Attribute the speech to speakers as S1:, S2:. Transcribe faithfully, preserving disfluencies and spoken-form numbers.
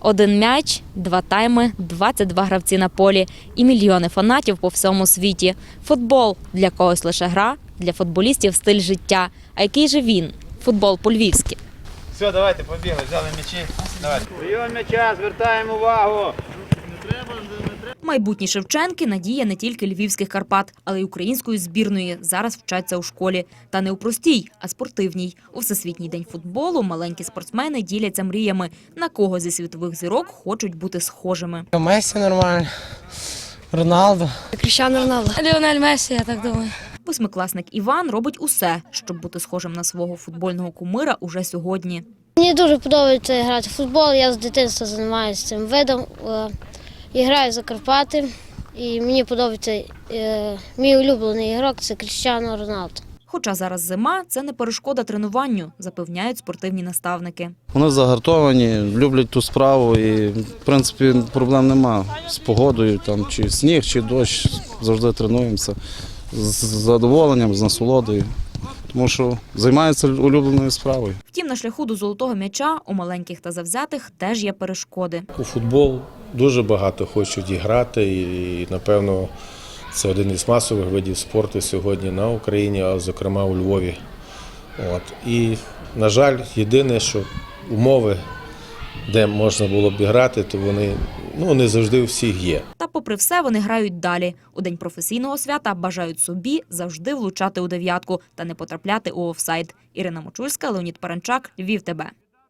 S1: Один м'яч, два тайми, двадцять два гравці на полі і мільйони фанатів по всьому світі. Футбол – для когось лише гра, для футболістів – стиль життя. А який же він? Футбол по-львівськи.
S2: Все, давайте, побігли, взяли м'ячі. Давайте.
S3: Прийом м'яча, звертаємо увагу.
S1: Майбутні Шевченки – надія не тільки львівських Карпат, але й української збірної. Зараз вчаться у школі. Та не у простій, а спортивній. У Всесвітній день футболу маленькі спортсмени діляться мріями. На кого зі світових зірок хочуть бути схожими.
S4: Месі нормально, Роналдо.
S5: Кріштіану Роналдо. Ліонель Месі, я так думаю.
S1: Восьмикласник Іван робить усе, щоб бути схожим на свого футбольного кумира уже сьогодні.
S5: Мені дуже подобається грати в футбол, я з дитинства займаюся цим видом. Я граю за Карпати і мені подобається е, мій улюблений ігрок – це Кріштіану Роналдо.
S1: Хоча зараз зима – це не перешкода тренуванню, запевняють спортивні наставники.
S6: Вони загартовані, люблять ту справу і, в принципі, проблем нема з погодою, там, чи сніг, чи дощ, завжди тренуємося з задоволенням, з насолодою, тому що займаються улюбленою справою.
S1: Втім, на шляху до золотого м'яча у маленьких та завзятих теж є перешкоди.
S7: У футбол дуже багато хочуть і грати, і, напевно, це один із масових видів спорту сьогодні на Україні, а зокрема у Львові. От. І, на жаль, єдине, що умови, де можна було б грати, то вони ну, не завжди у всіх є.
S1: Та попри все вони грають далі. У день професійного свята бажають собі завжди влучати у дев'ятку та не потрапляти у офсайд. Ірина Мочульська, Леонід Паранчак, Львів ТБ.